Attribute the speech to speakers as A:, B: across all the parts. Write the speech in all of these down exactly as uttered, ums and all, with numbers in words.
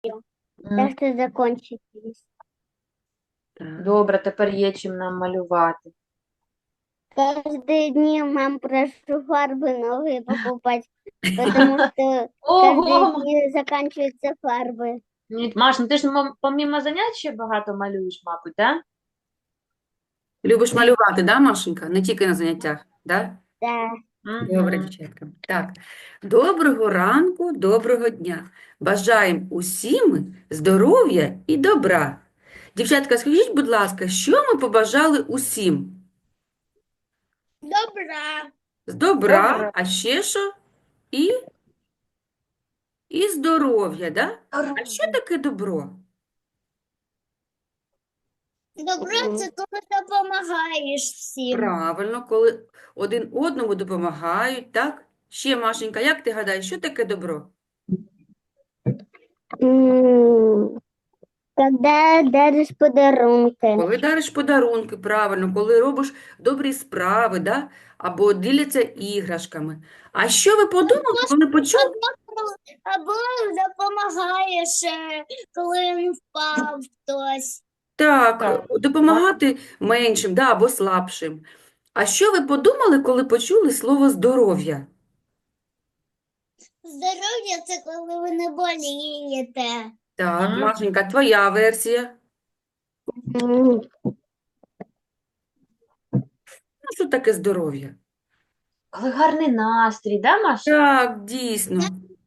A: Так
B: М,
A: что закончились.
C: Так.
B: Добре, тепер є чим нам малювати.
A: Каждые дни мам прошу фарбы новые покупать, потому что каждые
B: Ого!
A: дни заканчиваются фарбы.
B: Ні, Маш, ну ти ж мо- помімо занять ще багато малюєш, мабуть, так?
C: Любиш малювати, да, Машенька? Не тільки на заняттях, да?
A: Да.
C: Добре, дівчатка. Так. Доброго ранку, доброго дня. Бажаємо усім здоров'я і добра. Дівчатка, скажіть, будь ласка, що ми побажали усім?
A: Добра.
C: З добра,
B: Добре.
C: а ще що? І, і здоров'я, да? А що таке добро?
A: Добро це коли допомагаєш всім.
C: Правильно, коли один одному допомагають, так? Ще, Машенька, як ти гадаєш, що таке добро?
A: М, Когда даришь подарунки.
C: Коли дариш подарунки, правильно, коли робиш добрі справи, да? Або діляться іграшками. А що ви подумали, коли почули?
A: Або допомагаєш, е, коли він впав хтось.
C: Так,
B: Так.
C: допомагати меншим, да, або слабшим. А що ви подумали, коли почули слово здоров'я?
A: Здоров'я це коли ви не болієте.
C: Так,
B: Мгм.
C: Машенька, твоя версія. Ну, що таке здоров'я?
B: Коли гарний настрій, да, Маш?
C: Так, дійсно.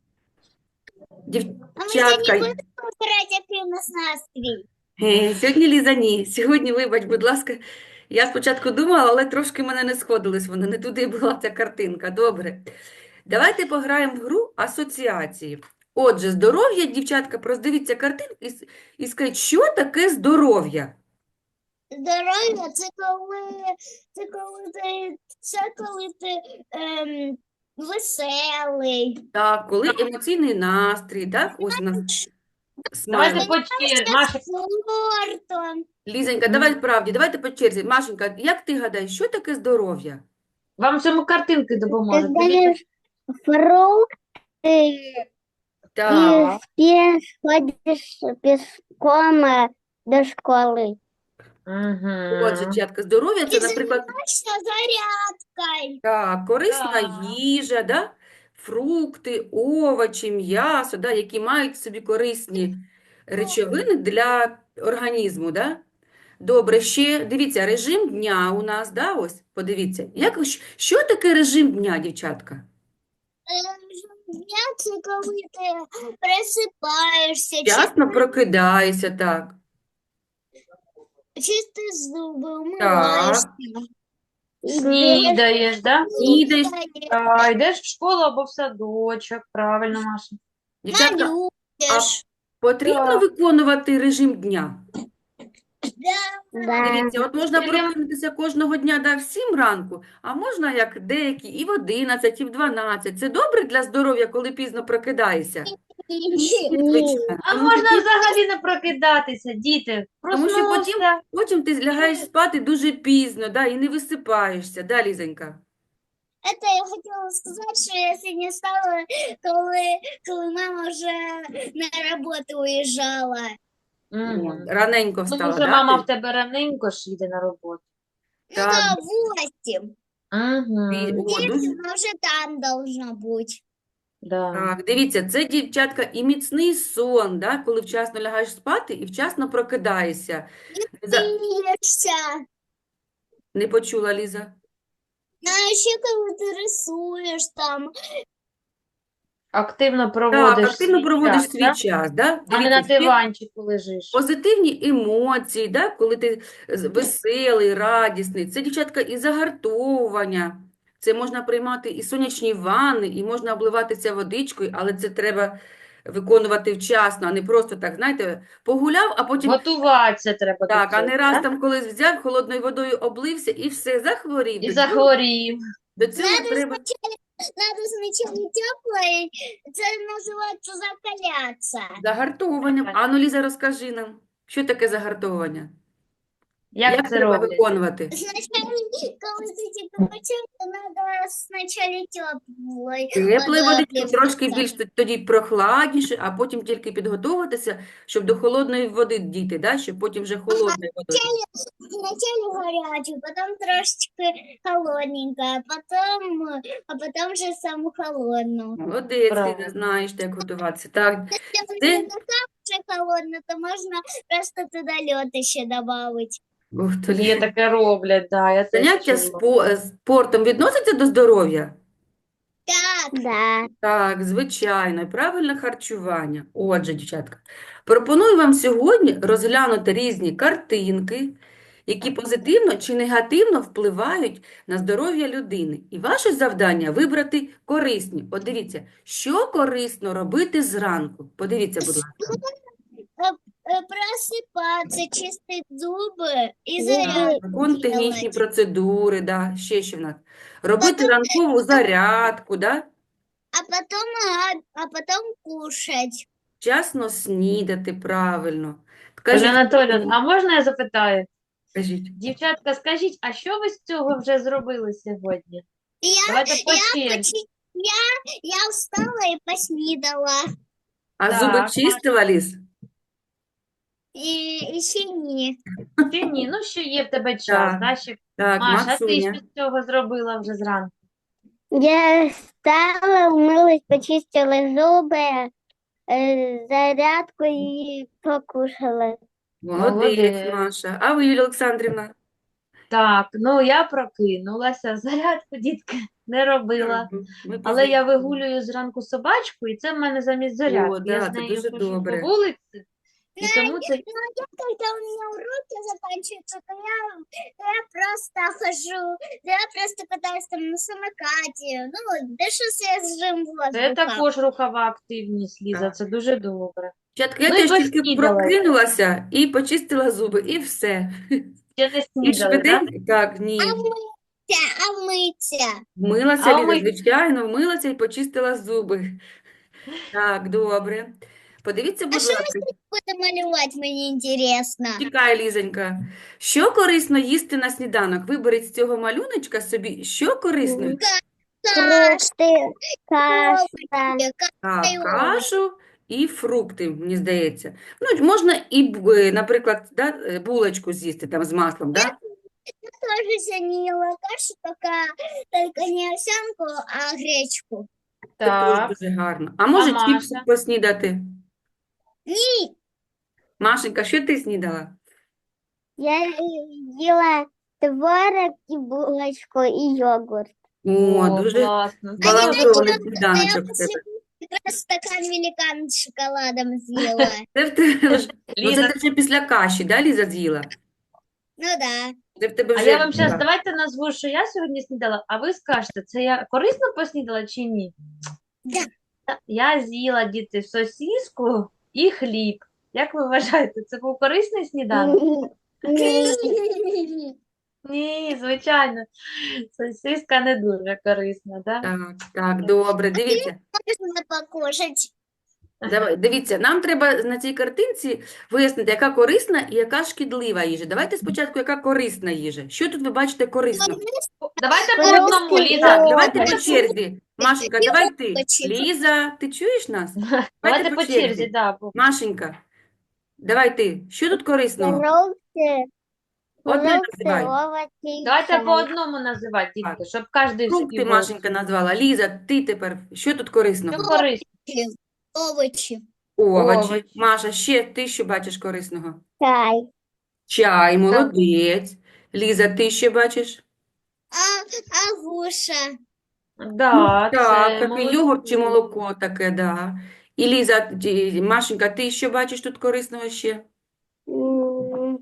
A: А ми сьогодні
C: Дівчатка,
A: будемо грати, який у нас настрій.
C: е, сьогодні Ліза ні. Сьогодні, вибач, будь ласка, я спочатку думала, але трошки в мене не сходились вони, не туди була ця картинка. Добре. Давайте пограємо в гру асоціації. Отже, здоров'я, дівчатка, роздивіться картинку і, с- і скажіть, що таке здоров'я?
A: Здоров'я це коли, це коли ти, це коли ти ем, веселий.
C: Так, коли емоційний настрій, так? Ось у нас
B: Давайте
C: смайлик.
B: по черзі. Маша,
A: Спортом.
C: Лізенька, давай правді, давайте по черзі. Машенька, як ти гадаєш, що таке здоров'я?
B: вам в цьому картинки допоможуть.
A: Ти
B: Дивіться.
A: даєш фрукти
C: Так,
A: і спиш, ходиш пішком е, до школи.
C: отже,
B: Мгм.
C: дівчатка, здоров'я це, наприклад,
A: Займаєшся зарядкою.
C: так, корисна
B: Так.
C: їжа, да? Фрукти, овочі, м'ясо, да? Які мають в собі корисні речовини для організму. Да? Добре, ще дивіться, режим дня у нас, да? Ось, подивіться. Як, щ- що таке режим дня, дівчатка?
A: Дня це коли ти просипаєшся,
C: Вчасно прокидаєшся, так.
A: чистиш зуби,
C: Так,
A: умиваєшся.
B: Снідаєш, да?
C: снідаєш.
B: А, йдеш в школу або в садочок. Правильно, Маша.
C: Дівчатка, а
A: Малюєш.
C: потрібно
B: Так.
C: виконувати режим дня?
A: Да.
C: Дивіться, от можна
B: Тільки-
C: прокинутися кожного дня да, в сім ранку, а можна, як деякі, і в одинадцять, і в дванадцять. Це добре для здоров'я, коли пізно прокидаєшся? Звичайно.
B: А
C: Тому,
B: можна
C: що,
B: взагалі не прокидатися, діти.
C: тому що потім,
B: Проснувся.
C: потім ти лягаєш спати дуже пізно, да, і не висипаєшся. Да, Лізонька?
A: Это я хотела сказать, что я сегодня встала, коли, коли мама вже на роботу уїжджала.
B: Мгм.
C: Раненько
B: Тому
C: встала,
B: що
C: да?
B: мама
C: ти?
B: в тебе раненько ж їде на роботу.
A: Ну
C: Так,
A: да, восемь.
C: і-
B: Угу.
C: о, дуже...
A: Она уже там должна быть.
B: Да.
C: Так, дивіться, це, дівчатка, і міцний сон, да, коли вчасно лягаєш спати і вчасно прокидаєшся. Не за-
A: Смеешься.
C: Не почула, Ліза?
A: А еще коли ти рисуєш там.
B: Активно
C: Так,
B: проводиш
C: активно
B: свій
C: проводиш
B: час,
C: свій
B: да?
C: час, да?
B: А не на
C: Дивіться, ще
B: диванчику лежиш.
C: позитивні емоції, да? Коли ти з- веселий, радісний. Це, дівчатка, і загартовування. Це можна приймати і сонячні ванни, і можна обливатися водичкою, але це треба виконувати вчасно, а не просто так, знаєте, погуляв, а потім
B: Готуватися треба до
C: так, а
B: цього,
C: не раз
B: так?
C: там колись взяв, холодною водою облився і все, захворів.
B: І
C: До цього,
B: захворів.
C: до цього
A: Надо
C: треба...
A: сначала, надо сначала теплое, це називається закаляться.
C: Загартовуванням. Ану, Ліза, розкажи нам, що таке загартовування?
B: Як
C: Як
B: це
C: треба
B: роблять?
C: виконувати?
A: Сначала, коли ти тільки почав, то треба спочатку теплої
C: Теплої водички,
A: плескатися.
C: трошки більш т- тоді прохладніше, а потім тільки підготуватися, щоб до холодної води дійти, да? Щоб потім вже холодною водою.
A: Сначала горячую, потом трошечки холодненькая, потом, а потом уже саму холодную.
C: Молодець, Ліза,
B: Правильно.
C: знаєш, як готуватися. Так,
A: Если
C: Це-
A: не уже холодно, то можно просто туда лед еще добавить.
C: ух, то
B: Є
C: Лі-
B: таке роблять, да, я теж
C: заняття
B: чула.
C: спо- е, спортом відноситься до здоров'я?
A: Так. Да.
C: Так, звичайно, і правильне харчування. Отже, дівчатка, пропоную вам сьогодні розглянути різні картинки, які позитивно чи негативно впливають на здоров'я людини. І ваше завдання вибрати корисні. От дивіться, що корисно робити зранку. Подивіться, будь ласка.
A: Э, Просыпаться, чистить зубы и
C: Так,
A: зарядку
C: виконувати технічні
A: делать.
C: процедури, да, ще що в нас. Робити ранкову зарядку, да?
A: А потом, а, а потом кушать.
C: Вчасно снідати правильно.
B: Ольга
C: Кажіть,
B: Анатоліївна, а можна я запитаю?
C: кажіть.
B: Дівчатка, скажіть, а що ви з цього вже зробили сьогодні?
A: Я,
B: Давайте по
A: я,
B: черзі.
A: почти, я, я встала и поснидала.
C: А
B: Так,
C: зуби
B: Маш.
C: чистила, Ліз?
A: И еще не.
B: Чи ні? Ну, що є в тебе час,
C: Так.
B: да? Ще...
C: Так,
B: Маша, а ти
C: Максуня.
B: що з цього зробила вже зранку?
D: Я встала, умылась, почистила зубы, э, зарядку и покушала.
C: Молодець,
B: Молодець.
C: Маша. А ви, Юлія Олександрівна?
B: Так, ну я прокинулася, зарядку, дітки, не робила.
C: Мгм. Ми
B: Але я
C: пізніше.
B: вигулюю зранку собачку, і це в мене замість зарядки.
C: да,
B: Я з
C: це
B: нею
C: дуже
B: хожу
C: добре.
B: по вулиці, і тому це...
A: Ну, а я, когда у меня уроки заканчиваются, то я, то я просто хожу, то я просто катаюсь там на самокате. Ну, да что свежим
B: Це
A: воздухом.
B: також рухова активність, Ліза,
C: Так.
B: це дуже добре.
C: Дівчатка, я
B: Ну і
C: теж тільки
B: поснідала.
C: прокинулася і почистила зуби, і все.
B: Ще не
C: І
B: снідали, так?
C: швиденько, так, ні.
A: А мыться, а мыться.
C: Вмилася,
B: А
C: Ліза,
B: ми-
C: звичайно, вмилася і почистила зуби. Так, добре. Подивіться, будь
A: що ми
C: ласка.
A: Буду малевать, мне интересно.
C: Чекай, Лізонька. Що корисно їсти на сніданок? Виберіть з цього малюночка собі, що корисно?
D: Фрукты, каша.
C: Так,
A: Ой,
C: кашу і фрукти, мені здається. Ну, можна і, б- е, наприклад, да, е, булочку з'їсти там з маслом, да?
A: тоже сегодня ела кашу, только, только не овсянку, а гречку.
C: Це теж
B: Так.
C: дуже гарно. А може
B: А
C: чіпси
B: Маша?
C: поснідати?
A: Ні,
C: Машенька, що ти снідала?
D: Я ела творог и булочку и йогурт.
C: О, дуже
B: класно.
C: збалансований
A: я
C: сніданочок в
A: после
C: тебе.
A: как раз стакан великан с шоколадом съела.
C: Це в тебе вже, ну, це
B: Ліза,
C: ти вже після каші, да, Ліза, з'їла?
A: Ну да.
C: Це в тебе
B: а
C: вже
B: я вам зараз,
C: так.
B: давайте назву, що я сьогодні снідала, а ви скажете, це я корисно поснідала чи ні?
A: Да.
B: Я з'їла, діти, сосиску і хліб. Як ви вважаєте, це був корисний сніданок? Ні, звичайно. Сосиска не дуже корисна, да?
C: Так, так, добре, дивіться.
A: Можно покушать.
C: Давай, дивіться, нам треба на цій картинці вияснити, яка корисна і яка шкідлива їжа. Давайте спочатку, яка корисна їжа. Що тут ви бачите корисно?
B: Давайте по
D: Фрукти,
B: одному, Ліза.
C: Так, давайте по
B: Давайте,
C: черзі. Машенька, давай ти.
A: Хочу.
C: Ліза, ти чуєш нас?
B: давайте
C: по
B: по
C: черзі.
B: черзі, да. бо-
C: Машенька, давай ти. Що тут корисного?
D: Фрукты,
C: Одне
D: фрукты,
C: називай.
D: овощи и
B: Давайте
D: чай.
B: по одному називати, дітки, щоб кожен
C: Фрукти
B: собі
C: Машенька назвала. Ліза, ти тепер. Що тут корисного?
B: Що корисно?
A: Овощи.
C: Овочі.
B: Овочі.
C: Маша, ще ти що бачиш корисного?
D: Чай.
C: Чай, молодець. Ліза, ти що бачиш?
A: А, а гуша.
B: Да,
C: Так,
B: це
C: такий йогурт чи
B: молодці.
C: молоко таке, да. І Ліза, ті- Машенька, ти що бачиш тут корисного ще?
D: М,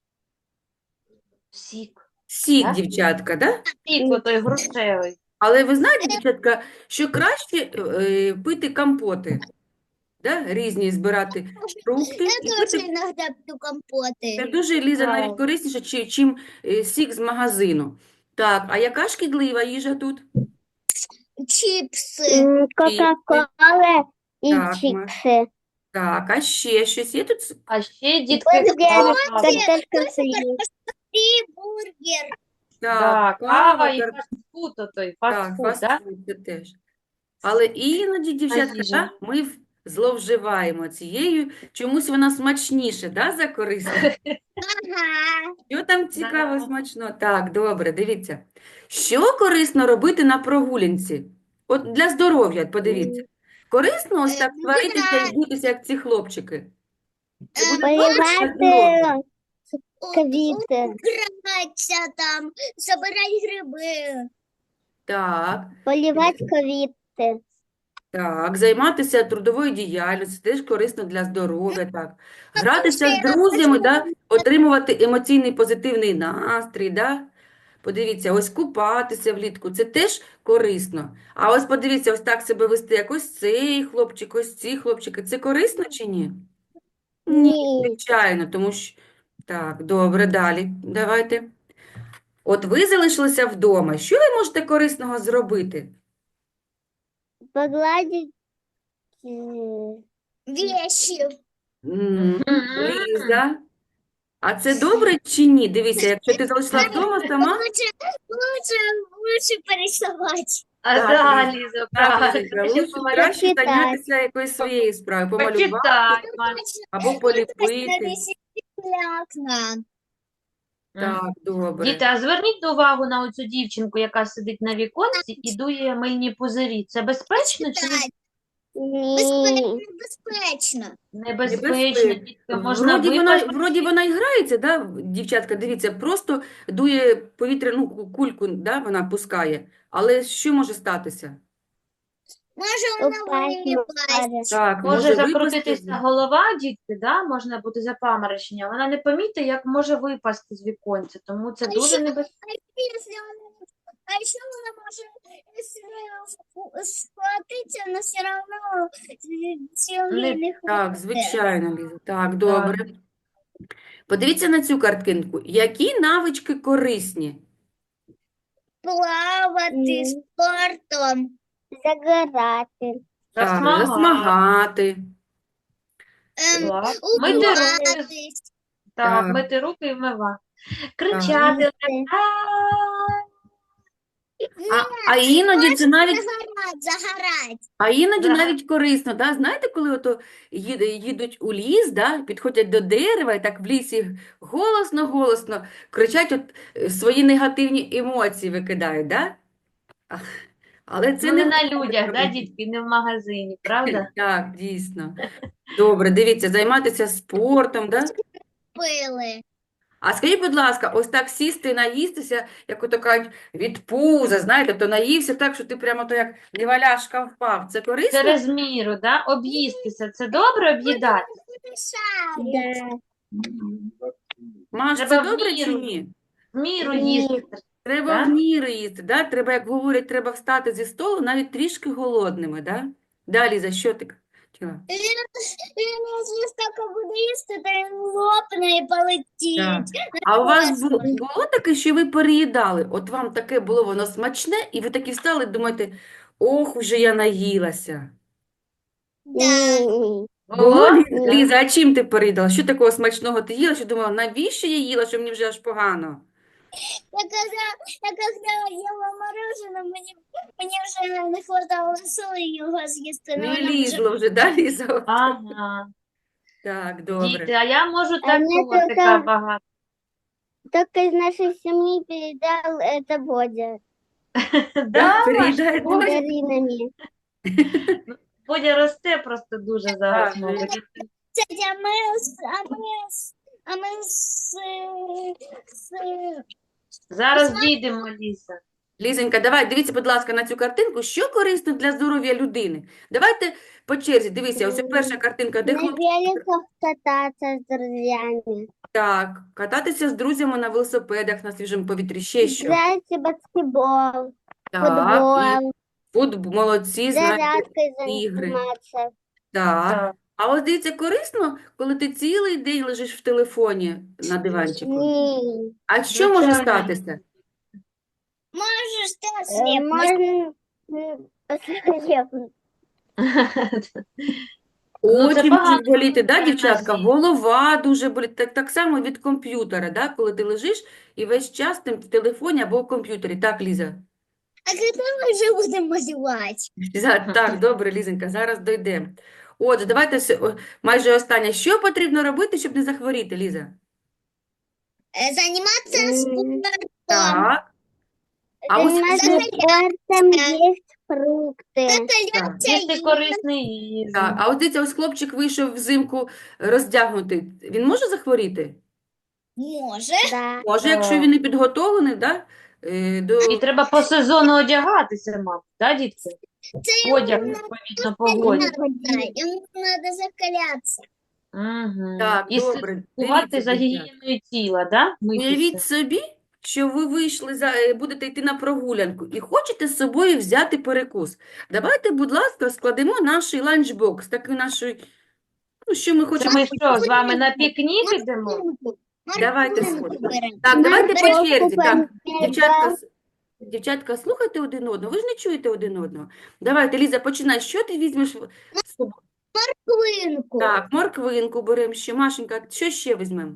B: Сік.
C: Сік,
B: Так?
C: дівчатка, да?
B: Сік отой грушевий.
C: Але ви знаєте, дівчатка, що краще е, пити компоти, да? Різні збирати фрукти
A: Я
C: і
A: тоже
C: пити.
A: иногда пью
C: Це
A: компоты.
C: дуже, Ліза, навіть
B: Так.
C: корисніше, чи, чим е, сік з магазину. Так, а яка шкідлива їжа тут?
A: Чипсы.
D: м, Кока-кола и
C: Так, Маш.
D: чипсы.
C: Так, а ще щось є тут?
B: А ще, дітки,
D: Бургер,
B: кава.
D: картошка фри.
A: І бургер.
C: Так,
B: Да,
C: кава,
B: кава і
C: кар-
B: фастфуд, отой,
C: так,
B: фастфуд, да?
C: фастфуд це теж. Але іноді, дівчатка,
B: їжа.
C: да, ми в- зловживаємо цією, чомусь вона смачніше, да, за корисне?
A: Ага.
C: Що там цікаво,
B: Да.
C: смачно? Так, добре, дивіться. Що корисно робити на прогулянці? От для здоров'я, от подивіться. Корисно ось
A: Е,
C: так сваритися і
A: гуляти.
C: битися, як ці хлопчики? Це
A: Е,
C: буде добре для
D: Поливати
C: здоров'я?
A: У-
D: квіти.
A: Гратися там, забирати гриби.
C: Так,
D: Поливати квіти.
C: так. Займатися трудовою діяльністю теж корисно для здоров'я, так. Гратися з
A: що я
C: друзями, да,
A: хочу-
C: отримувати емоційний позитивний настрій, да. Подивіться, ось купатися влітку, це теж корисно. А ось подивіться, ось так себе вести, як ось цей хлопчик, ось ці хлопчики. Це корисно чи ні? Ні,
D: Ні.
C: звичайно, тому що... Так, добре, далі. Давайте. От ви залишилися вдома. Що ви можете корисного зробити?
D: Погладити. е,
A: Вещи.
C: М,
B: Мгм.
C: Ліза. А це добре чи ні? Дивися, якщо ти залишила вдома сама,
A: Лучше, лучше, лучше порисовать.
B: А
C: Так,
B: да,
C: Ліза,
B: Ліза,
C: так,
B: правильно.
C: Ліза,
B: Ще
C: лучше
B: помалювати.
C: краще
D: Почитати.
C: зайнятися якоюсь своєю справою, помалювати
B: Почитай, Маш.
C: або поліпити.
A: Окна.
C: Так, добре.
B: Діти, а зверніть увагу на оцю дівчинку, яка сидить на віконці і дує мильні пузирі. Це безпечно чи не-
D: Ні.
A: Безпечно, безпечно.
B: небезпечно?
C: Небезпечно.
B: Дітки, можна
C: Вроді вона,
B: випасти.
C: вроді вона і грається, да, дівчатка, дивіться, просто дує повітряну ку- кульку, да, вона пускає. Але що може статися?
A: Може, вона
D: Упасть
A: виліпасть.
D: може.
C: Так,
B: Може
C: може випасти.
B: закрутитися голова, дітки, да? Можна бути запаморочення. Вона не помітить, як може випасти з віконця, тому це
A: А
B: дуже
A: ще-
B: небезпечно.
A: Якщо вона- А ще вона може якщо схватитися, але все одно сили не
C: Так,
A: хватить.
C: звичайно, Ліза. Так, добре. Подивіться на цю картинку. Які навички корисні?
A: Плавати
D: М.
A: спортом.
D: Загорати.
C: Так,
B: Засмагати.
C: засмагати.
A: Ем,
B: Так. Мити руки.
A: убиватись.
B: Так,
C: Так.
B: мити руки і вмивати. Кричати.
D: Їсти.
C: А, а іноді це навіть
A: Загорать, загорать.
C: А іноді
B: Да.
C: навіть корисно, да? Знаєте, коли ото їде, їдуть у ліс, да? Підходять до дерева і так в лісі голосно-голосно кричать, от е, свої негативні емоції викидають, да? А, Але це
B: Ну,
C: не
B: не на
C: вдома
B: людях, да,
C: робити.
B: дітки, не в магазині, правда?
C: Так, дійсно. Добре, дивіться, займатися спортом, да?
A: Пили.
C: А скажіть, будь ласка, ось так сісти і наїстися, як ото кажуть, від пуза, знаєте, то наївся так, що ти прямо то як неваляшка впав. Це корисно?
B: Через міру, да? Об'їстися. Це добре об'їдати?
A: Мішають.
D: Да.
C: Маш, це
B: Треба в
C: добре чи
B: міру.
C: ні?
B: В міру
D: Ні.
B: їсти.
C: Треба
B: Да?
C: в міру їсти, да? Треба, як говорять, треба встати зі столу навіть трішки голодними, да? Далі, за що ти хотіла?
A: Він, він якщо стільки буде їсти, то він лопне і полетить.
C: А у вас було, було таке, що ви переїдали? От вам таке було воно смачне, і ви такі встали і думаєте, ох, уже я наїлася.
A: Да.
D: Ні.
C: Було,
B: Було?
C: Лі- Ліза, а чим ти переїдала? Що такого смачного ти їла, що думала, навіщо я їла, що мені вже аж погано?
A: Я когда, я когда ела мороженое, мне, мне уже не хватало сили його з'їсти.
C: Не
A: Ну, воно вже
C: лізло вже, да, Ліза?
B: Ага.
C: Так, добре.
B: Діти, а я можу
D: А мені
B: такого
D: тільки-
B: така багато.
D: Только из нашей семьи передал это Бодя.
B: Да,
C: переїдає
B: Маш, Бодя,
D: Мандаринами.
B: Бодя росте просто дуже зараз. молодець.
A: Кстати, а ми, з- а ми, з- а ми з, з,
B: Зараз дійдемо, Ліса.
C: Лізонька, давай, дивіться, будь ласка, на цю картинку. Що корисно для здоров'я людини? Давайте по черзі, дивіться, ось перша картинка, де
D: На
C: хлопці.
D: великах кататься с друзьями.
C: Так, кататися з друзями на велосипедах на свіжому повітрі, ще що?
D: Играть в баскетбол,
C: Так,
D: футбол,
C: і футбол, молодці, знаєте,
D: зарядкой
C: ігри.
D: заниматься.
C: Так.
B: Так.
C: А ось дивіться, корисно, коли ти цілий день лежиш в телефоні на диванчику.
D: Ні.
C: А що може
B: Звичайно.
C: статися?
A: можеш ти
D: Э,
A: осліпнути.
D: Можно м, ослепнуть.
B: Ну, це
C: Очі
B: погано,
C: можуть боліти, да,
B: коли
C: дівчатка?
B: нозі.
C: Голова дуже болить. Так, так само від комп'ютера, да, коли ти лежиш і весь час ти в телефоні або в комп'ютері. Так, Ліза?
A: А когда мы уже будем малевать?
C: За- Так, добре, Лізенька, зараз дійдемо. Отже, давайте с- о, майже останнє. Що потрібно робити, щоб не захворіти, Ліза?
A: Э, Заниматься
D: М,
A: спортом.
C: Так. А ось
D: Заниматься
C: хлоп-
D: спортом, есть фрукты.
C: так,
B: Їсти корисний їжу.
C: так. А ось дивіться, ось хлопчик вийшов взимку роздягнутий. Він може захворіти?
A: Может.
D: Да.
C: Може, якщо він не підготовлений, да, е, до...
B: І треба по сезону одягатися, мабуть, да, дітки? Одяг, відповідно, погоді.
A: Ему надо закаляться.
B: Угу.
C: Так,
B: І
C: добре.
B: слідкувати
C: Дивіться,
B: за
C: дівчата.
B: гігієною тіла, да?
C: Уявіть
B: Митися.
C: собі, що ви вийшли, за, е, будете йти на прогулянку і хочете з собою взяти перекус. Давайте, будь ласка, складемо наш ланчбокс, такий наш, ну, що ми
B: Це
C: хочемо.
B: ми що, з вами на пікнік ідемо?
A: Морковинку.
C: Давайте
A: Морковинку
C: сходимо.
A: берем.
C: Так, давайте по
D: Морковку
C: черзі. Так,
D: помідор.
C: дівчатка, с- дівчатка, слухайте один одного, ви ж не чуєте один одного. Давайте, Ліза, починай. Що ти візьмеш в- з собою?
A: Морковинку.
C: Так, морквинку беремо ще. Машенька, що ще візьмемо?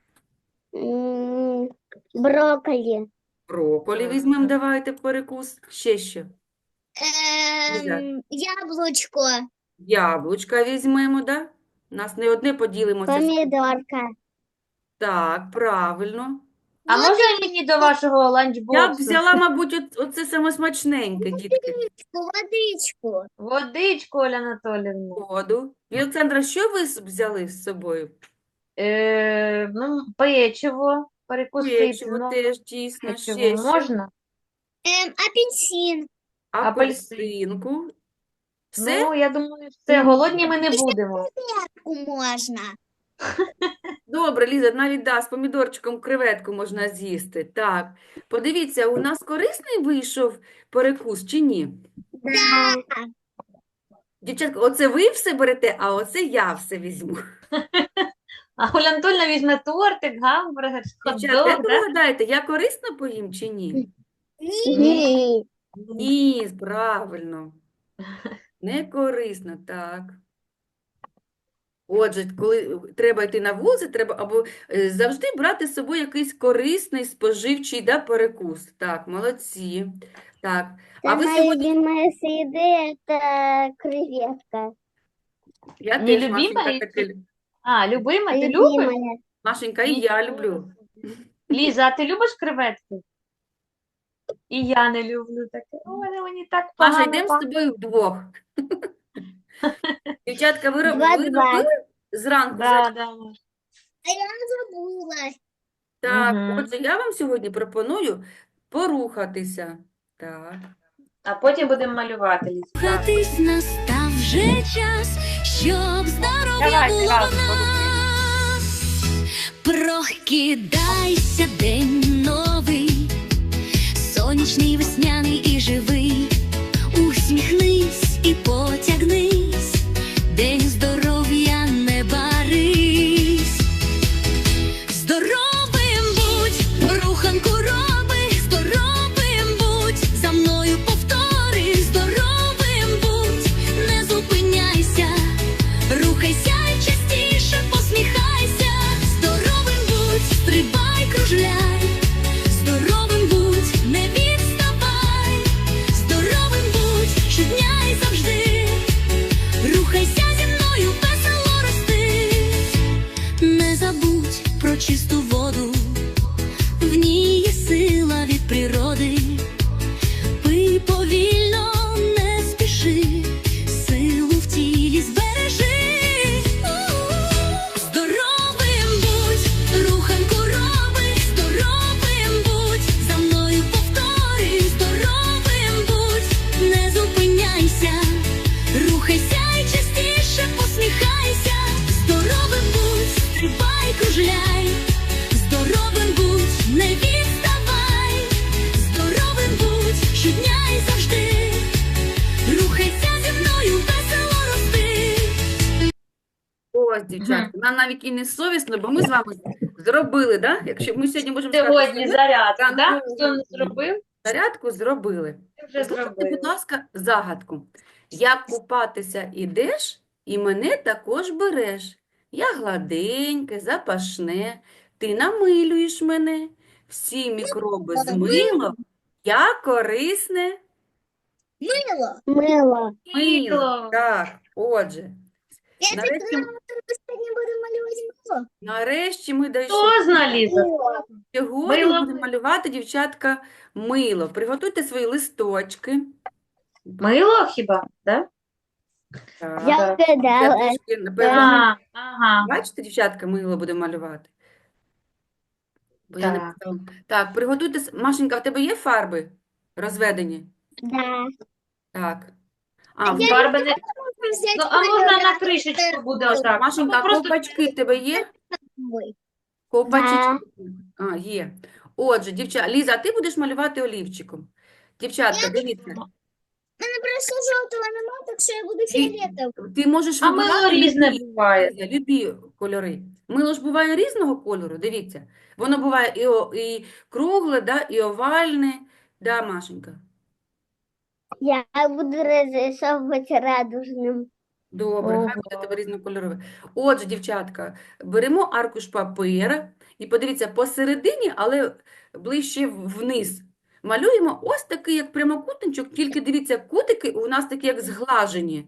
D: М, Брокколи.
C: Брокколі
B: Мгм.
C: візьмемо, давайте, в перекус. Ще що?
A: Эм, яблочко.
C: Яблучка візьмемо, да? У нас не одне поділимося.
D: Помидорка.
C: Так, правильно.
B: А можна мені до вашого
C: Я б
B: ланчбоксу?
C: взяла, мабуть, от- оце саме смачненьке, дітки.
A: Водичку.
B: Водичку, Оля Анатоліївна.
C: Воду. І, Олександра, що ви с- взяли з собою?
B: Е, ну, печиво, перекусити,
C: Печиво
B: ну,
C: теж, дійсно.
B: печиво
C: Ще що?
B: можна?
A: Эм, апельсин.
C: Апельсинку. Все?
B: Ну, я думаю, все, голодні ми не будемо.
A: Креветку можно.
C: Добре, Ліза, навіть да, з помідорчиком креветку можна з'їсти. Так, подивіться, у нас корисний вийшов перекус чи ні?
D: Да.
C: Дівчатка, оце ви все берете, а оце я все візьму.
B: А Оля Анатольовна візьме тортик, гамбургер,
C: Дівчатка, як
B: хот-дог,
C: ви
B: да?
C: гадаєте, я корисно поїм чи ні?
D: Ні.
C: Ні, правильно. Не корисно, так. Отже, коли треба йти на вулицю, треба або е, завжди брати з собою якийсь корисний, споживчий, да, перекус. Так, молодці. Так, а ви
D: Моя
C: сьогодні...
D: любимая еды это креветка.
C: Я
B: Не
C: теж,
B: любима
C: Машенька,
B: і
C: таке...
B: А, любима, ти любиш?
D: Любимая.
C: Машенька, і я люблю.
B: Ліза, а ти любиш креветки? І я не люблю таке. Ой, мені так
C: Маша,
B: погано
C: йдемо з
B: пахне.
C: тобою вдвох. Дівчатка, ви, роб-
D: Два-два.
C: ви робили зранку?
B: Да,
C: за-
B: да.
A: А я забыла.
C: Так,
B: Мгм.
C: отже, я вам сьогодні пропоную порухатися. Так.
B: А потім будемо малювати, Ліза. Так.
E: Рухатись настав вже час, щоб здоров'я
B: Давайте
E: було
B: разом
E: в нас. Прокидайся, день новий, сонячний, весняний і живий. Усміхнись і потягнись, день здоров'я не барись. Здоровим будь, руханку роби, здоровим будь, за мною повтори, здоровим будь, не зупиняйся, рухайся й частіше посміхайся, здоровим будь, стрибай, кружляй, здоровим будь, не відставай, здоровим будь, щодня й завжди, рухайся зі мною, весело рости. Не забудь про чисту воду, в ній є сила від природи. Пий повільно, не спіши, силу в тілі збережи. Здоровим будь, руханку роби, здоровим будь, за мною повтори, здоровим будь, не зупиняйся, рухайся й частіше посміхайся, здоровим будь, стрибай, кружляй, здоровим будь, не відставай, здоровим будь, щодня й завжди, рухайся зі мною, весело рости.
C: Ось, дівчатка, нам навіть і не совісно, бо ми з вами зробили, да? Якщо ми сьогодні можемо сказати,
B: Сьогодні
C: що ми
B: зарядку, да?
C: ранкову
B: Хто не зробив,
C: зарядку зробили.
B: ти вже
C: Слухайте,
B: зробив.
C: будь ласка, загадку. Як купатися ідеш, і мене також береш. Я гладеньке, запашне, ти намилюєш мене. Всі мікроби змило, я корисне
A: Мило.
D: Мыло.
C: мило.
B: Мило.
C: Так, отже,
A: Я так
C: нарешті,
A: думала, що сьогодні буду малювати мило.
C: нарешті ми дійшли.
B: Хто зна, Ліза?
D: Мыло.
C: Сьогодні ми
B: Мило.
C: будемо малювати, дівчатка, мило. Приготуйте свої листочки.
B: Мило хіба? Да?
C: Так.
D: Я
B: Так.
C: Я
D: угадала.
C: трішки, напевно,
B: А, ага.
C: бачите, дівчатка, мило будемо малювати. Бо я не
B: Так.
C: поставила. Так, приготуйте. с- Машенька, в тебе є фарби розведені?
D: Да.
C: Так. А, в
A: Я
B: Фарби не...
A: Можна взяти
B: Ну, а можна на
A: кольори.
B: кришечку буде отак.
C: Машенька,
B: Або
C: а
B: просто
C: ковпачки в тебе є?
A: Ой.
C: Ковпачечки? А, є. Отже, дівчата, Ліза, а ти будеш малювати олівчиком. Дівчатка, дивіться.
A: У мене просто жовтого нема, так що я буду
C: Ти,
A: фіолетовим.
C: ти можеш
B: А мило
C: вибирати
B: різне
C: любі,
B: буває.
C: Ліза, любі кольори. Мило ж буває різного кольору, дивіться. Воно буває і, о- і кругле, да, і овальне. Да, Машенька?
D: Я буду разрисовывать радужным.
C: Добре, хай буде
B: Ого.
C: тебе різнокольорове. Отже, дівчатка, беремо аркуш папера і подивіться, посередині, але ближче вниз. Малюємо ось такий, як прямокутничок, тільки дивіться, кутики у нас такі, як зглажені.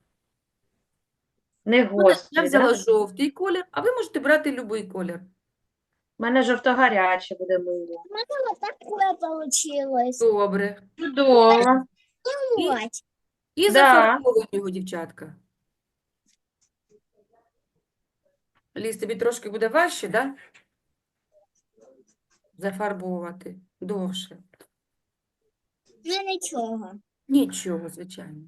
B: Не
C: Ну, Я
B: гострі,
C: взяла
B: да?
C: жовтий колір, а ви можете брати будь-який колір.
B: У мене жовто-гаряче буде мило.
A: У мене отаке получилось.
C: Добре.
B: Чудово.
C: І,
A: Вот.
C: і
B: Да.
C: зафарбовуємо його, дівчатка. Ліз, тобі трошки буде важче, да? Зафарбовувати довше.
A: Ну нічого.
C: Нічого, звичайно.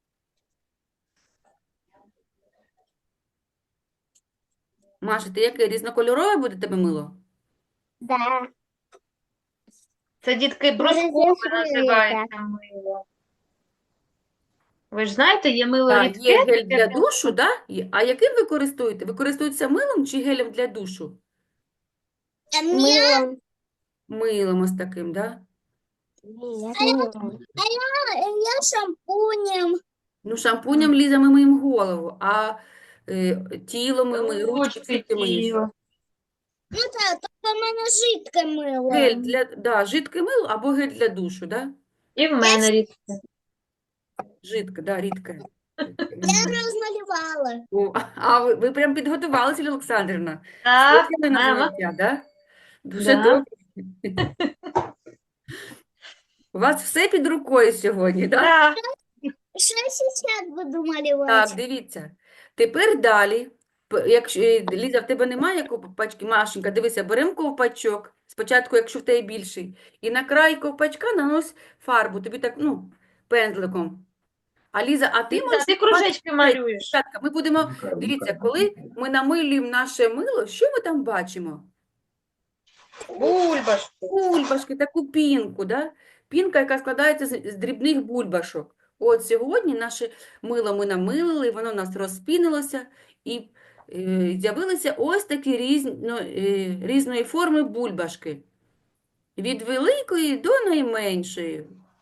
C: Маша, ти яке різнокольорове буде тебе мило?
D: Да.
B: Це, дітки, брускове
D: Розрисує
B: називається мило. Ви ж знаєте, є мило
C: Так,
B: рідке.
C: є гель
B: таке
C: для душу, да? Є. А яким ви користуєте? Ви користуєтеся милом чи гелем для душу?
A: А мені
D: Мылом.
C: Милом ось таким, да?
D: Нет, мылом.
A: я шампунем.
C: Ну, шампунем, Ліза, ми миємо голову, а е, тіло ми миємо, ручки,
B: Ручки,
C: все ти миєш.
B: тіло.
A: Ну так, то в мене жидке мило.
C: Гель для, да, жидке мило або гель для душу, да?
B: І в мене рідке.
C: Жидке, да, рідке.
A: Я розмалювала.
C: О, а ви, ви прям підготувалися, Лілія Олександрівна?
B: Так,
C: Слухали на
B: мама.
C: заняття, да? Дуже
B: Да.
C: добре. У вас все під рукою сьогодні, да?
B: Так.
A: Що я зараз буду
C: Так,
A: малювати?
C: дивіться. Тепер далі. П- Якщо, е, Ліза, в тебе немає ковпачки? Машенька, дивися, беремо ковпачок. Спочатку, якщо в тебе більший. І на край ковпачка нанось фарбу. Тобі так, ну, пензликом. А Ліза, а ти
B: Ліза,
C: можеш
B: ти кружечки
C: малювати?
B: малюєш.
C: Дівчатка, ми будемо, дивіться, коли ми намилюємо наше мило, що ми там бачимо?
B: Бульбашки.
C: Бульбашки, таку пінку, да? Пінка, яка складається з, з дрібних бульбашок. От сьогодні наше мило ми намилили, воно у нас розпінилося, і е, з'явилися ось такі різно, е, різної форми бульбашки. Від великої до найменшої.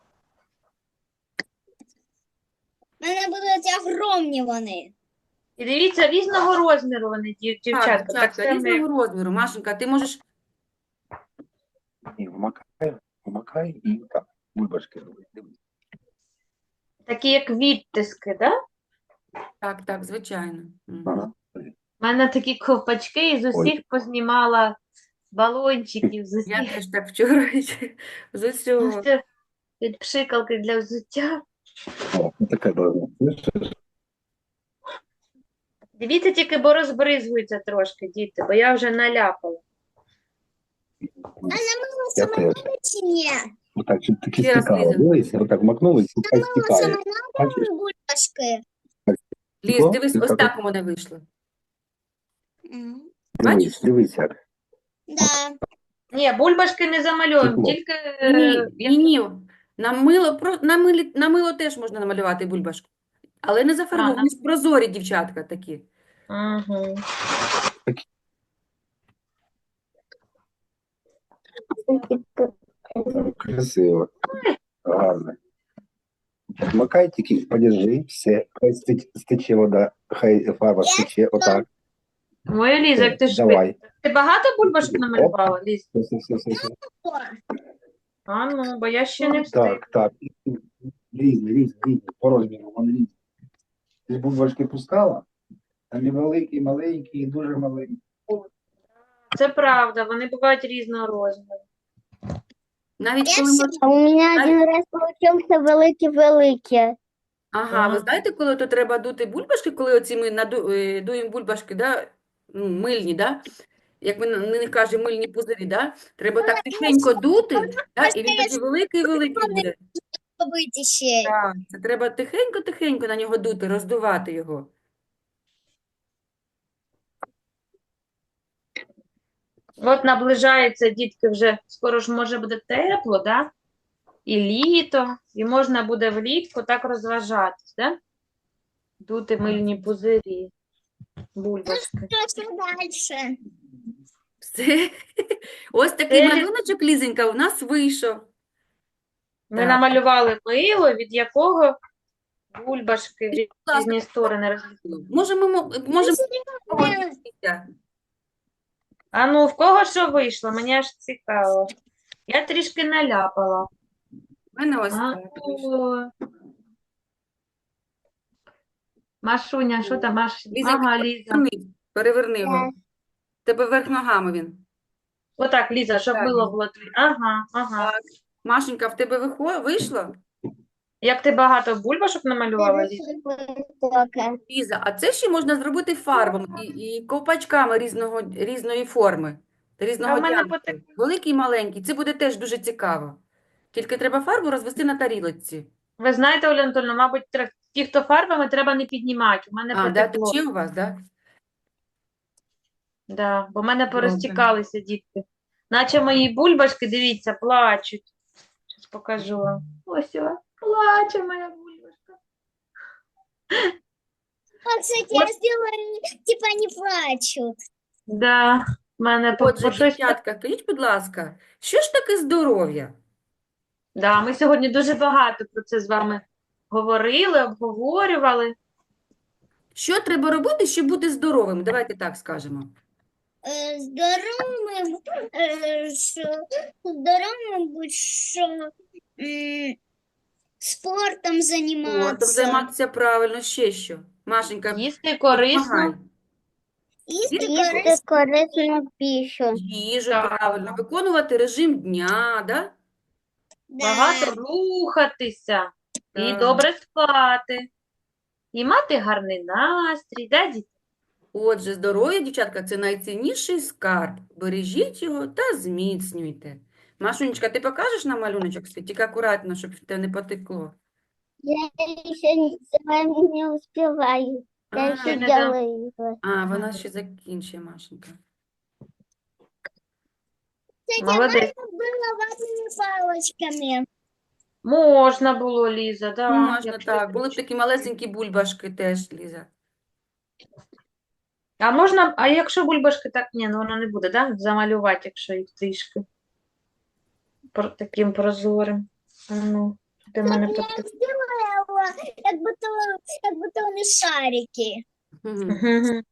A: У мене будуть огромні вони.
B: І дивіться, різного розміру вони, дів-
C: Так,
B: дівчатка. Так
C: дівчатка,
B: само, як-
C: різного розміру. Машенька, ти можеш
F: І вмакай, вмакай і так, бульбашки робить. Дивись.
B: такі як відтиски, да?
C: Так, так, звичайно. Мгм.
F: Ага.
B: У мене такі ковпачки, і з усіх познімала балончиків, з
C: Я
B: усіх
C: теж так вчора з усього.
B: ось це від пшикалки для взуття.
F: О, така должна. Слышиш?
B: Дивіться тільки, бо розбризгується трошки, діти, бо я вже наляпала.
A: А намило
F: Я
A: саме
F: теж.
A: надо чи ні?
F: Отак, щоб таки
C: Ще раз,
F: стікало.
C: Ліза.
F: Дивись, отак макнули, і хай
A: Намило
F: стікає.
A: саме
F: Бачиш?
A: надо бульбашки.
C: Ліз,
F: Стекло?
C: дивись,
F: І
C: ось
F: так
C: так у мене вийшло.
A: М,
C: Бачиш?
F: Дивись, дивись як.
A: Да.
B: Ні, бульбашки не замальовуємо,
F: Стекло.
B: тільки
C: Ні,
B: е,
C: ні, ні. На мило, про, на, милі, на мило теж можна намалювати бульбашку. Але не зафарбовані, вони ж прозорі дівчатка такі.
B: Угу.
F: Красиво. Гарно. Макай тільки, подержи, все. Хай сте- стече вода, хай фарба стече, отак.
B: Моя Ліза, як ти
F: Все,
B: швидко.
F: давай.
B: Ти багато бульбашок намалювала, Ліз?
F: Все, все, все, все.
A: О,
B: А ну, бо я ще не встиг.
F: Так, так. Різні, різні, різні, по розміру, вони різні. Ти ж бульбашки пускала? Там і великі, і маленькі, і дуже маленькі.
B: Це правда, вони бувають різного розміру.
C: Навіть
A: Я
C: коли ми...
D: А у меня один раз получился великий-великий.
C: Ага, ви
B: Ага.
C: знаєте, коли то треба дути бульбашки, коли оці ми наду... е, дуємо бульбашки, да? Ну, мильні, да? Як ми на на них кажемо, мильні пузирі, да? Треба так тихенько дути, да? І він такий великий-великий буде.
A: побыть ще.
C: Так, це треба тихенько-тихенько на нього дути, роздувати його.
B: От наближається, дітки, вже скоро ж може буде тепло, да? І літо, і можна буде влітку так розважатись, да? Дути мильні пузирі, бульбашки.
A: Що дальше?
C: Все. Ось такий
B: Це-
C: малюночок, Лізенька, у нас вийшов.
B: Ми
C: Так.
B: намалювали мило, від якого бульбашки в
C: ласка.
B: різні сторони розлітали.
C: Можемо, мо- можемо
A: Е,
C: поділитися.
B: А ну, в кого що вийшло? Мені аж цікаво. Я трішки наляпала.
C: У мене ось
B: А,
C: так вийшло.
B: о. Машуня, що там? Маш...
C: Ліза,
B: Ага, Ліза.
C: Переверни, переверни його. В тебе вверх ногами він.
B: Отак, Ліза, щоб
C: Так.
B: мило було. тві- Ага, ага.
C: Так. Машенька, в тебе вихо- вийшло?
B: Як ти багато бульбашок намалювала, Ліза?
D: Высокая.
C: Ліза, а це ще можна зробити фарбами і, і ковпачками різного, різної форми, та різного
B: А в мене
C: діаметру.
B: потек-
C: Великий і маленький. Це буде теж дуже цікаво. Тільки треба фарбу розвести на тарілочці.
B: Ви знаєте, Оля Анатольовна, мабуть, тре- ті, хто фарбами, треба не піднімати. У мене
C: А, да,
B: потекло.
C: тече у вас, да?
B: Да, бо в мене
C: Добре.
B: порозтікалися дітки. Наче мої бульбашки, дивіться, плачуть. Зараз покажу вам. Ось о, плаче моя бульбашка.
A: А, кстати, я сделала, типа они плачут.
B: Да, в мене по,
C: Отже,
B: по щось.
C: дівчатка, скажіть, будь ласка, що ж таке здоров'я?
B: Да, ми сьогодні дуже багато про це з вами говорили, обговорювали.
C: Що треба робити, щоб бути здоровим? Давайте так скажемо.
A: Э, Здоровым, э, что- здоровым быть, что м, спортом
C: Спортом
A: заниматься.
C: займатися правильно, ще що? Машенька,
B: Їсти корисно.
C: допомагай.
A: Если
D: Їсти корисну пищу.
C: Їжу
B: Так.
C: правильно, виконувати режим дня, да?
B: Багато рухатися і
C: Так.
B: добре спати, і мати гарний настрій, да, діти?
C: Отже, здоров'я, дівчатка, це найцінніший скарб. Бережіть його та зміцнюйте. Машунечка, ти покажеш нам малюночок свій? Тільки акуратно, щоб в тебе не потекло.
D: Я еще не, с вами не успеваю. Я
C: А,
D: еще
B: не дам.
D: делаю его.
C: А, вона ще закінчує, Машенька.
A: Кстати,
B: Молодець.
A: можно было ватными палочками.
B: Можна було, Ліза, да.
C: Можна
B: якщо
C: так. Були б
B: хочеш.
C: такі малесенькі бульбашки теж, Ліза.
B: А можна, а якщо бульбашки так, ні, ну воно не буде, да? Замалювати, якщо їх трішки про, таким прозорим. А ну, де в мене
A: Я
B: потекло.
A: сделала его, как будто, как будто он из шарики.
C: Мгм.
B: Мгм.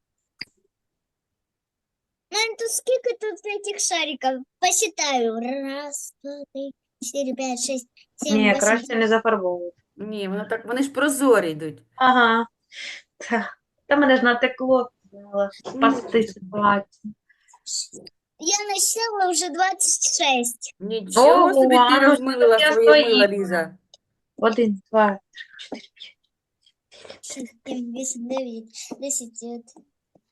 A: Ну, тут сколько тут этих шариков? Посчитаю. Раз, два, три, четыре, пять, шесть, семь,
B: Ні,
A: восемь.
B: краще не зафарбовувати.
C: Ні, воно так, вони ж прозорі йдуть.
B: Ага. Та, та мене ж натекло, думала, спасти ситуацію.
A: Я насчитала уже двадцать шесть.
C: Нічого
B: Ого,
C: собі
B: а
C: ти
B: ну,
C: розмилила
B: я
C: своє мило,
B: свої.
C: Ліза.
B: Один, два, три, чотири, п'ять.
A: шесть, семь, восемь, девять, десять,